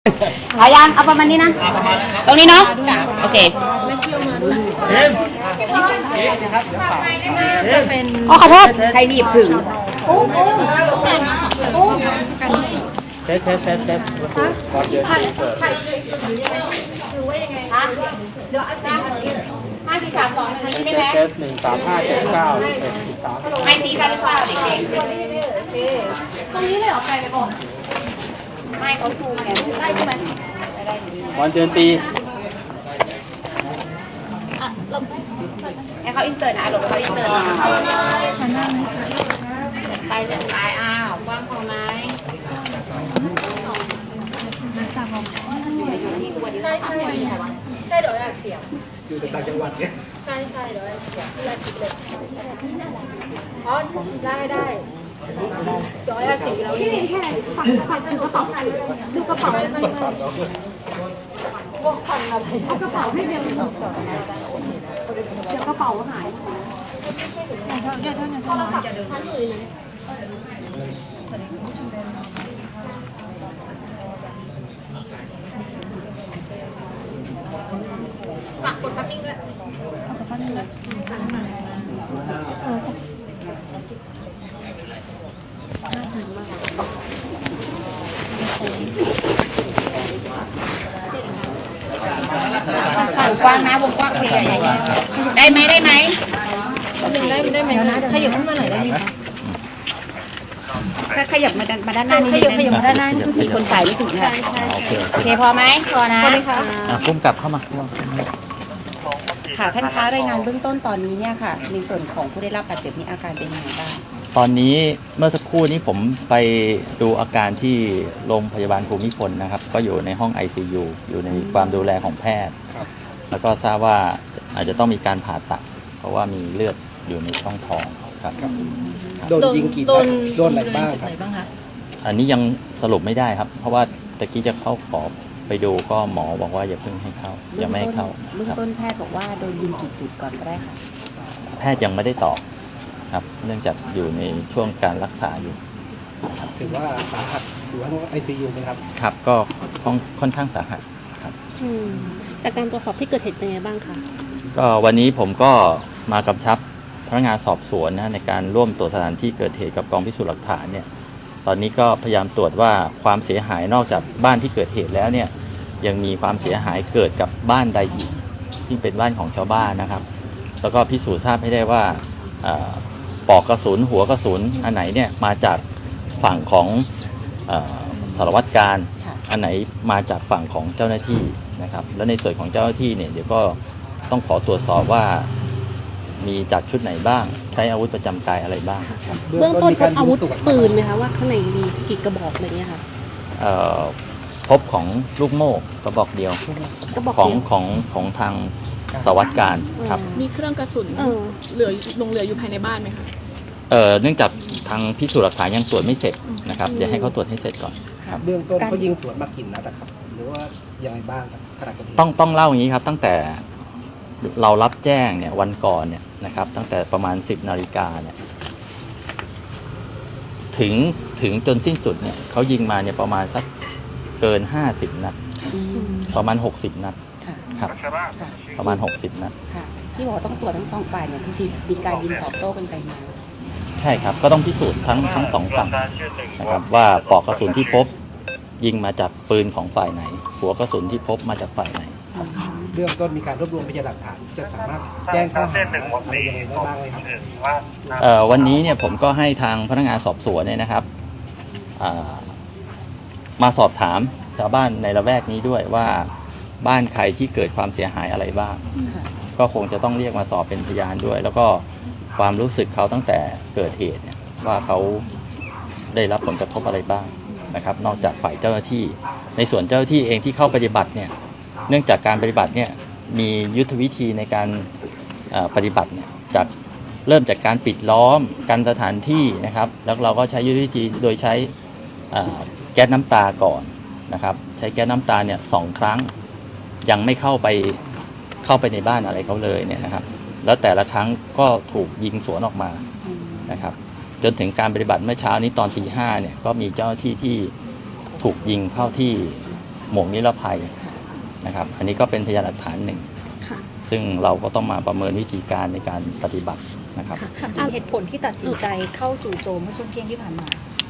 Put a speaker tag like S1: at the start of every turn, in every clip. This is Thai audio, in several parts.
S1: เอายังเอาประมาณนี้นะตรงนี้เนาะโอเคอ๋อขอโทษใครหนีบถึง
S2: เทสก่อนเดือนเปิด
S1: เดี๋ยว5 4 3 2 1นี้ไหม
S2: เทส135791113
S1: ไม่ตีกันหรือเปล่าเด็กๆตรงนี้เลยเหรอใครไปบอกไม่เขาซูมไงได้ใช่ไหมได้
S2: วันเดือนปี
S1: ให้เขาอินเสิร์ตนะหลบเขาอินเสิร์ตนะไปเสร็จไปอ้าวกว้างพอไหมใช่เดี๋ยวเสียง
S2: อยู่ต่างจังหวัดเนี่ย
S1: ใช่เดี๋ยวเสียงที่เราคิดเลยอ๋อได้เดี๋ยวสีเราที่แค่ฝันดูกระเป๋าดูกระเป๋าไม่บอกฝันอะไรเอากระเป๋าให้เบลเดี๋ยวกระเป๋าหายเดี๋ยวโทรศัพท์ชั้นอื่นฝากกดทับมิ่งด้วยวงกว้างนะวงกว้างเคลียร์อย่างเงี้ยได้ไหมได้ไหมขยับขึ้นมาหน่อยได้ไหมถ้าขยับมาด้านหน้านี่ขยับมาด้านหน้ามีคนใส่ไม่ถึงค่ะโอเคพอไหมพอนะ
S3: พุ่มกลับเข้ามา
S1: ค่ะท่านคะรายงานเบื้องต้นตอนนี้เนี่ยค่ะในส่วนของผู้ได้รับบาดเจ็บนี้อาการเป็นยังไงบ้าง
S3: ตอนนี้เมื่อสักครู่นี้ผมไปดูอาการที่โรงพยาบาลภูมิพลนะครับก็อยู่ในห้อง ICU อยู่ในความดูแลของแพทย์แล้วก็ทราบว่าอาจจะต้องมีการผ่าตัดเพราะว่ามีเลือดอยู่ในช่องท้องครับ
S2: โดนยิงกี่นัดโดนอะไรบ้างครับ
S3: อันนี้ยังสรุปไม่ได้ครับเพราะว่าตะกี้จะเข้าขอไปดูก็หมอบอกว่าอย่าเพิ่งให้เข้ายังไม่ให้เข้า
S1: เบื้องต้นแพทย์บอกว่าโดนยิงกี่จุดก่อนก็ได้ค่ะ
S3: แพทย์ยังไม่ได้ตอบครับเนื่องจากอยู่ในช่วงการรักษาอยู่
S2: ถือว่าสาหัสอยู่ห้อง ICU ไหมครับ
S3: ครับก็ค่อนข้างสาหัสครับ
S4: จากการตรวจสอบที่เกิดเหตุเป็นไงบ้างคะ
S3: ก็วันนี้ผมก็มากำชับพนักงานสอบสวนนะในการร่วมตรวจสถานที่เกิดเหตุกับกองพิสูจน์หลักฐานเนี่ยตอนนี้ก็พยายามตรวจว่าความเสียหายนอกจากบ้านที่เกิดเหตุแล้วเนี่ยยังมีความเสียหายเกิดกับบ้านใดอีกที่เป็นบ้านของชาวบ้านนะครับแล้วก็พิสูจน์ทราบให้ได้ว่าปลอกกระสุนหัวกระสุนอันไหนเนี่ยมาจากฝั่งของสารวัตรการอันไหนมาจากฝั่งของเจ้าหน้าที่นะครับแล้วในส่วนของเจ้าหน้าที่เนี่ยเดี๋ยวก็ต้องขอตรวจสอบว่ามีจากชุดไหนบ้างใช้อาวุธประจำกายอะไรบ้าง
S4: เบื้องต้นพบอาวุธปืนไหมคะว่าข้างในมีกี่กระบอกอะไรเงี้ยค่ะ
S3: พบของลูกโม่กระบอกเดียวของทางสารวัตรการครับ
S5: มีเครื่องกระสุนเหลืออยู่ภายในบ้านไหมคะ
S3: เนื่องจากทางพิสูจน์หลักฐานยังตรวจไม่เสร็จนะครับเดี๋ยวให้เขาตรวจให้เสร็จก่อน
S2: ครับเบื้องต้นเขายิงสวนมากี่นัดครับหรือว่ายังไงบ้างครับขณะเกิดเหตุ
S3: ต้องเล่าอย่างนี้ครับตั้งแต่เรารับแจ้งเนี่ยวันก่อนเนี่ยนะครับตั้งแต่ประมาณ10 นาฬิกาเนี่ยถึงจนสิ้นสุดเนี่ยเขายิงมาเนี่ยประมาณสักเกิน50 นัดประมาณ60 นัดครับประมาณ60 นัด
S1: ที่บอกต้องตรวจทั้งสองฝ่ายเนี่ยคือมีการยิงตอบโต้กันไปมา
S3: ใช่ครับก็ต้องพิสูจน์ทั้งสองฝั่งนะครับว่าปลอกกระสุนที่พบยิงมาจากปืนของฝ่ายไหนหัวกระสุนที่พบมาจากฝ่ายไหน
S2: เบื้องต้นมีการรวบรวมพยานหลักฐานจะสามารถแจ้งข้อหาอะไรยังไงได้บ้างไหม
S3: ครับวันนี้เนี่ยผมก็ให้ทางพนักงานสอบสวนเนี่ยนะครับมาสอบถามชาวบ้านในละแวกนี้ด้วยว่าบ้านใครที่เกิดความเสียหายอะไรบ้างก็คงจะต้องเรียกมาสอบเป็นพยานด้วยแล้วก็ความรู้สึกเขาตั้งแต่เกิดเหตุเนี่ยว่าเขาได้รับผลกระทบอะไรบ้างนะครับนอกจากฝ่ายเจ้าหน้าที่ในส่วนเจ้าหน้าที่เองที่เข้าปฏิบัติเนี่ยเนื่องจากการปฏิบัติเนี่ยมียุทธวิธีในการปฏิบัติเนี่ยเริ่มจากการปิดล้อมกันสถานที่นะครับแล้วเราก็ใช้ยุทธวิธีโดยใช้แก๊สน้ำตาก่อนนะครับใช้แก๊สน้ำตาเนี่ย2 ครั้งยังไม่เข้าไปในบ้านอะไรเขาเลยเนี่ยนะครับแล้วแต่ละครั้งก็ถูกยิงสวนออกมานะครับจนถึงการปฏิบัติเมื่อเช้านี้ตอนตี 5เนี่ยก็มีเจ้าหน้าที่ที่ถูกยิงเข้าที่หมวกนิรภัยนะครับ อันนี้ก็เป็นพยานหลักฐานหนึ่ง
S4: ค่ะ
S3: ซึ่งเราก็ต้องมาประเมินวิธีการในการปฏิบัตินะครับ
S4: ค่ะ
S1: ถามถึงเหตุผลที่ตัดสินใจเข้าจู่โจมเมื่อช่วงเที่ยงที่ผ่านมา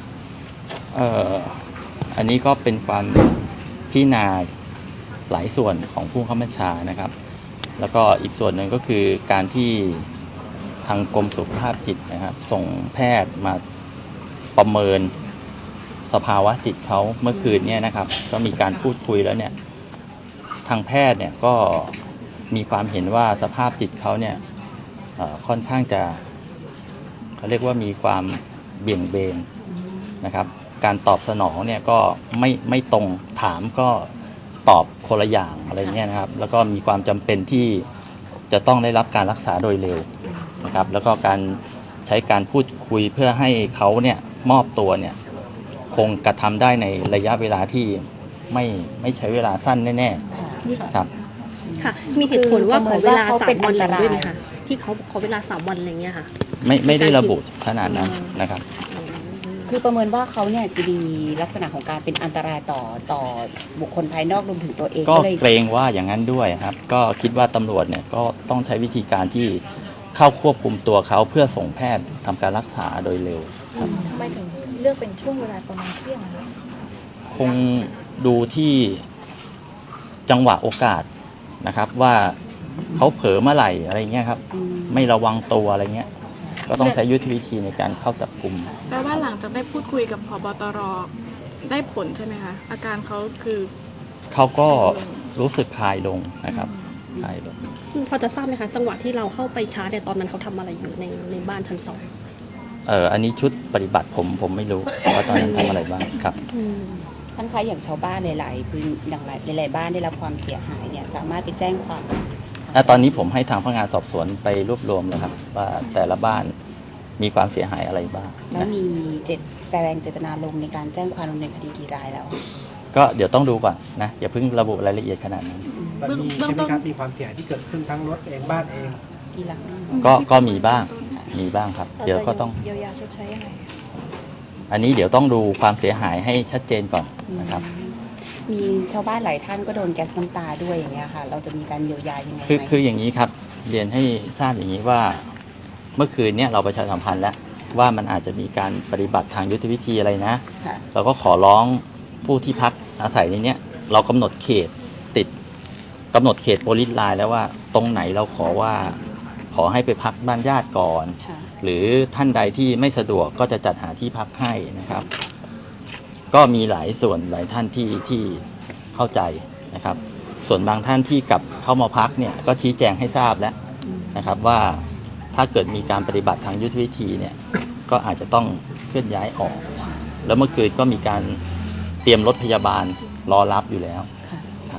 S3: อันนี้ก็เป็นความพิจารณาหลายส่วนของผู้ข้าบัญชานะครับ แล้วก็อีกส่วนหนึ่งก็คือการที่ทางกรมสุขภาพจิตนะครับ ส่งแพทย์มาประเมินสภาวะจิตเขาเมื่อคืนเนี่ยนะครับ ก็มีการพูดคุยแล้วเนี่ยทางแพทย์เนี่ยก็มีความเห็นว่าสภาพจิตเขาเนี่ยค่อนข้างจะเขาเรียกว่ามีความเบี่ยงเบนนะครับ การตอบสนองเนี่ยก็ไม่ตรงถามก็ตอบคนละอย่างอะไรเงี้ยนะครับ แล้วก็มีความจำเป็นที่จะต้องได้รับการรักษาโดยเร็วนะครับ แล้วก็การใช้การพูดคุยเพื่อให้เขาเนี่ยมอบตัวเนี่ยคงกระทำได้ในระยะเวลาที่ไม่ใช้เวลาสั้นแน่ๆครับ
S4: ค่ะ มีเหตุผลว่าขอเวลา
S1: เขาเป็น
S4: 3 วัน
S1: อันตราย
S4: ด้วยไหมคะที่เขาขอเวลา3 วันอะไรเงี้ยค่ะ
S3: ไม่ได้ระบุขนาดนั้นนะครับ
S6: คือประเมินว่าเขาเนี่ยจะมีลักษณะของการเป็นอันตรายต่อบุคคลภายนอกรวมถึงตัวเอง
S3: ก็
S6: เลย
S3: เกรงว่าอย่างนั้นด้วยครับ ก็คิดว่าตำรวจเนี่ยก็ต้องใช้วิธีการที่เข้าควบคุมตัวเขาเพื่อส่งแพทย์ทำการรักษาโดยเร็วครับ
S1: ทำไมถึงเลือกเป็นช่วงเวลาประมาณเที่ยงอะคะ
S3: คงดูที่จังหวะโอกาสนะครับ ว่าเขาเผลอเมื่อไหร่อะไรเงี้ยครับ ไม่ระวังตัวอะไรเงี้ย ก็ต้องใช้ยุทธวิธีในการเข้าจับกลุ่ม
S5: แปลว่าหลังจากได้พูดคุยกับผบตรได้ผลใช่ไหมคะ อาการเขาคือ
S3: เขาก็รู้สึกคลายลงนะครับคลายลง
S4: พอจะทราบไหมคะ จังหวะที่เราเข้าไปชาร์จเนี่ยตอนนั้นเขาทำอะไรอยู่ในบ้านชั้น 2
S3: อันนี้ชุดปฏิบัติผมไม่รู้ว่าตอนนั้นทำอะไรบ้างครับ
S6: ท่านคะอย่างชาวบ้านหลายๆพื้นอย่างหลายๆบ้านได้รับความเสียหายเนี่ยสามารถไปแจ้งความ
S3: ตอนนี้ผมให้ทางพนักงานสอบสวนไปรวบรวมแล้วครับ ว่าแต่ละบ้านมีความเสียหายอะไรบ้าง
S6: แล้ว
S3: นะ
S6: มีแสดงเจตนาลงในการแจ้งความดำเนินคดีกี่รายแล้ว
S3: ก็เดี๋ยวต้องดูก่อนนะอย่าเพิ่งระบุรายละเอียดขนาดนั้น
S2: แบบมีใช่ไหมครับมีความเสียหายที่เกิดขึ้นทั้งรถเองบ้านเอง
S6: กี่หลัง
S3: ก็มีบ้างครับ เดี๋ยวก็ต้อง
S1: เยียวยาชดใช้ยังไง
S3: อันนี้เดี๋ยวต้องดูความเสียหายให้ชัดเจนก่อนนะครับ
S6: มีชาวบ้านหลายท่านก็โดนแก๊สน้ำตาด้วยอย่างเงี้ยค่ะ เราจะมีการเยียวยายังไงไหม
S3: คืออย่างนี้ครับ เรียนให้ทราบอย่างนี้ว่าเมื่อคืนเนี้ยเราประชาสัมพันธ์แล้วว่ามันอาจจะมีการปฏิบัติทางยุทธวิธีอะไรนะ
S6: ค่ะ
S3: เราก็ขอร้องผู้ที่พักอาศัยในเนี้ยเรากำหนดเขตกำหนดเขตโพลิสไลน์แล้วว่าตรงไหนเราขอให้ไปพักบ้านญาติก่อน
S6: ค่ะ
S3: หรือท่านใดที่ไม่สะดวกก็จะจัดหาที่พักให้นะครับ ก็มีหลายส่วนหลายท่านที่เข้าใจนะครับ ส่วนบางท่านที่กลับเข้ามาพักเนี่ยก็ชี้แจงให้ทราบแล้วนะครับว่าถ้าเกิดมีการปฏิบัติทางยุทธวิธีเนี่ยก็อาจจะต้องเคลื่อนย้ายออก แล้วเมื่อคืนก็มีการเตรียมรถพยาบาลรอรับอยู่แล้ว
S6: ค่ะ
S3: ครับ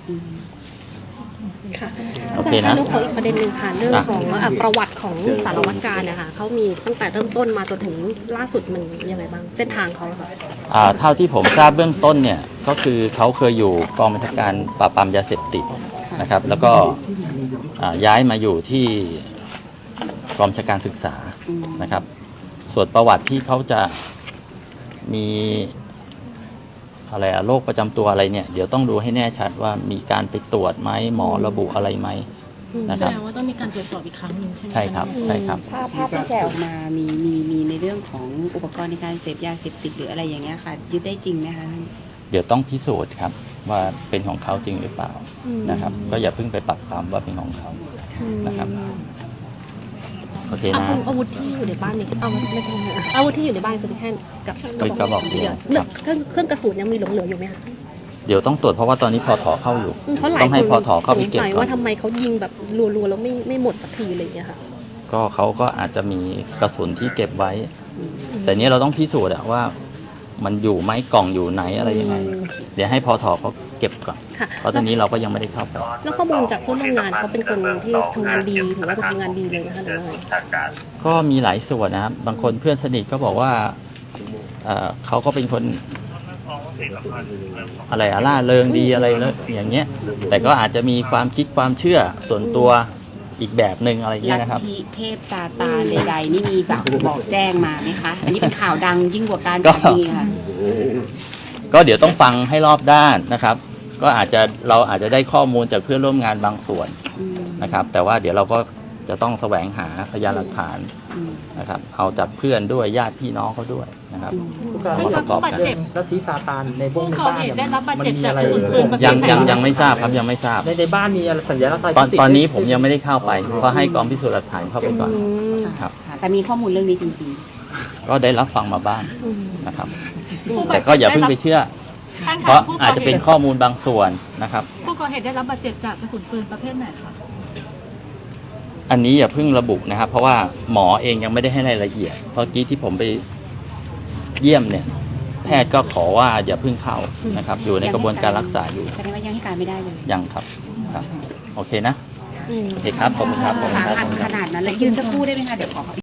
S4: ค่ะ
S3: โอเคนะ
S4: เรื่องของอีกประเด็นหนึ่งค่ะเรื่องของประวัติของสารวัตรการนะคะเขามีตั้งแต่เริ่มต้นมาจนถึงล่าสุดมันยังไงบ้างเส้นทางเขาอะค่ะ
S3: เท่าที่ผมทราบเบื้องต้นเนี่ยก็คือเขาเคยอยู่กองบัญชาการปราบปรามยาเสพติดนะครับ แล้วก็ย้ายมาอยู่ที่กองบัญชาการศึกษานะครับ ส่วนประวัติที่เขาจะมีอะไรโรคประจำตัวอะไรเนี่ยเดี๋ยวต้องดูให้แน่ชัดว่ามีการไปตรวจไหมหมอระบุอะไรไหมนะ
S5: แส
S3: ครับ
S5: ดงว่าต้องมีการตรวจสอบอีกครั้งหนึ่งใช่ไหมะ
S3: ใช่ครับใช่ครับ
S6: ภาพที่แชร์ออกมามีในเรื่องของอุปกรณ์ในการเสพยาเสพติดหรืออะไรอย่างเงี้ยค่ะ ยึดได้จริงไหมคะ
S3: เดี๋ยวต้องพิสูจน์ครับว่าเป็นของเขาจริงหรือเปล่านะครับ ก็อย่าเพิ่งไปปักปามว่าเป็นของเขานะครับ โอเคนะ
S4: อาวุธที่อยู่ในบ้านนี่เอาไม่ใช่อาวุธที่อยู่ในบ้านคือแค่กับ
S3: เป็นกระบอกเดียว
S4: เรื่องเครื่องกระสุนยังมีหลงเหลืออยู่ไหมคะ
S3: เดี๋ยวต้องตรวจเพราะว่าตอนนี้พอถอเข้าอยู่
S4: เพราะหลาย
S3: ต้อง
S4: ค
S3: ให้
S4: น
S3: พอถอเข้าไป
S4: สง
S3: เก็บ
S4: สัย
S3: ก่อ
S4: ว่าน ทำไมเขายิงแบบรัวๆแล้วไม่หมดสักทีอะไรอย่างเงี้ยค่ะ
S3: ก็เขาก็อาจจะมีกระสุนที่เก็บไว้ แต่เนี้ยเราต้องพิสูจน์อะว่ามันอยู่ไหมกล่องอยู่ไหนอะไรยังไง เดี๋ยวให้พอถอเขาเก็บก่อน
S4: ค่ะ
S3: เพราะตอนนี้เราก็ยังไม่ได้เข้าไป
S4: แล้วข้อมูลจากเพื่อนร่วมงานเขาเป็นคนที่ทำงานดีถือว่าเป็นทำงานดีเลยนะคะหรือว่าไง
S3: ก็มีหลายส่วนนะครับ บางคนเพื่อนสนิทก็บอกว่าเขาก็เป็นคนอะไรล่าเริงดีอะไรแล้วอย่างเงี้ย แต่ก็อาจจะมีความคิดความเชื่อส่วนตัวอีกแบบหนึ่งอะไรเงี้
S6: ลั
S3: ย
S6: ท
S3: นะครับ
S6: ธิเทพซาตานใดๆนี่มีแบบบอกแจ้งมาไหมคะ อันนี้เป็นข่าวดังยิ่งกว่าการ
S3: ก็
S6: จับจริงค่ะ
S3: ก็เดี๋ยวต้องฟังให้รอบด้านนะครับก็เราอาจจะได้ข้อมูลจากเพื่อนร่วมงานบางส่วนนะครับ แต่ว่าเดี๋ยวเราก็จะต้องแสวงหาพยานหลักฐานนะครับเอาจากเพื่อนด้วยญาติพี่น้องเขาด้วยนะครับมาประกอบกัน
S7: แล้วที่ซาตานในพวกใน
S1: ก่อ
S7: บ้าน
S1: เหตุ
S7: เนี่ย
S1: ได้รับบาด
S7: มัน
S1: เจ็บ
S7: มี
S1: จาก
S7: อะไร
S1: กระสุนปืนประเภท
S3: ยังไม่ทราบครับยังไม่ทราบ
S7: ในบ้านมีอะไรสัญลักษณ์อะไร
S3: ตอนนี้ผมยังไม่ได้เข้าไปเพราะให้กองพิสูจน์หลักฐานเข้าไปก่อนครับ
S6: ค่ะแต่มีข้อมูลเรื่องนี้จริง
S3: ก็ได้รับฟังมาบ้างนะครับ แต่ก็อย่าเพิ่งไปเชื่อ
S1: ท่าน
S3: เพราะ
S1: ผู้ก่
S3: อาจจะเป็นข้อมูลบางส่วนนะครับ
S1: ผู้ก่อเหตุได้รับบาดเจ็บจากกระสุนปืนประเภทไหนคะ
S3: อันนี้อย่าเพิ่งระบุนะครับ เพราะว่าหมอเองยังไม่ได้ให้รายละเอียดเพราะกี้ที่ผมไปเยี่ยมเนี่ย แพทย์ก็ขอว่าอย่าเพิ่งเข้านะครับ อยู่ในกระบวนการรักษาอยู่
S6: ๆแสดงว่ายังให้การไม่ได้เลย
S3: ยังครับโอเคนะโอเคครับขอบคุณครับขอบคุณ
S6: สา
S3: ครับ
S6: หัสขนาดนั้นเลยยืนสักครู่ได้ไหมคะเดี๋ยวขอ